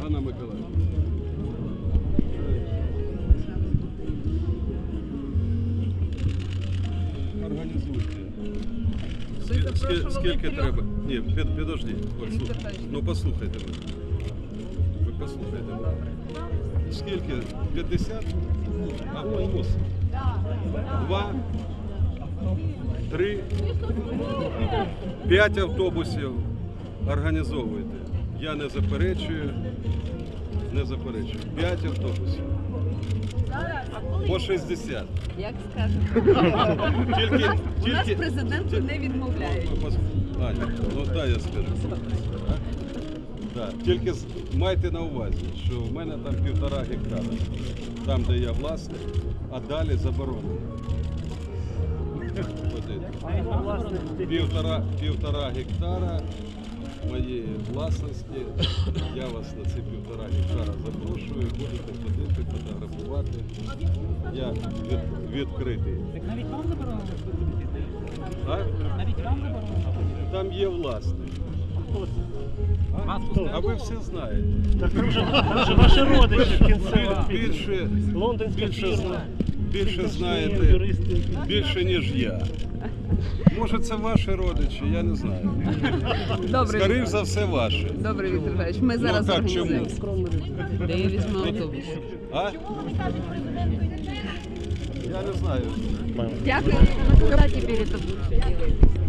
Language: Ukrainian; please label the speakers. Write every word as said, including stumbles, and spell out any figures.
Speaker 1: Ганна Миколаївна. Організуйте. Скільки, скільки треба? Ні, під, підожди. Послух... Ну послухайте мене. Ви послухайте мене. Скільки? п'ятдесят? Автобус? Два? Три? П'ять автобусів організовуйте. Я не заперечую. Не заперечую. П'ять автобусів. По шістдесят.
Speaker 2: Як скажете.
Speaker 1: Тільки,
Speaker 2: У нас
Speaker 1: тільки,
Speaker 2: президенту не відмовляють.
Speaker 1: Аня, ну дай я скажу. Да. Тільки з- майте на увазі, що в мене там півтора гектара, там де я власник, а далі заборонено. Півтора, півтора гектара моєї власності. Я вас на ці півтора гектара запрошую, будете ходити, фотографувати. Я від, відкритий.
Speaker 3: Так навіть вам заборонено виступити?
Speaker 1: А?
Speaker 3: Навіть вам заборонено?
Speaker 1: Там є власник. А, а ви все знаєте.
Speaker 4: Так там же, там же ваші родичі в кінцева.
Speaker 1: Більше,
Speaker 4: Лондонська
Speaker 1: більше,
Speaker 4: фірма.
Speaker 1: зна- більше знаєте,
Speaker 4: Юристи.
Speaker 1: більше ніж я. Може це ваші родичі, я не знаю.
Speaker 2: Добре,
Speaker 1: Скоріше за все ваші.
Speaker 2: добре, Віктор Федорович, ми зараз
Speaker 1: так, чому?
Speaker 2: організуємо. Де я візьму автобус?
Speaker 1: А? Я не знаю.
Speaker 2: Дякую. Куди тепер це буде?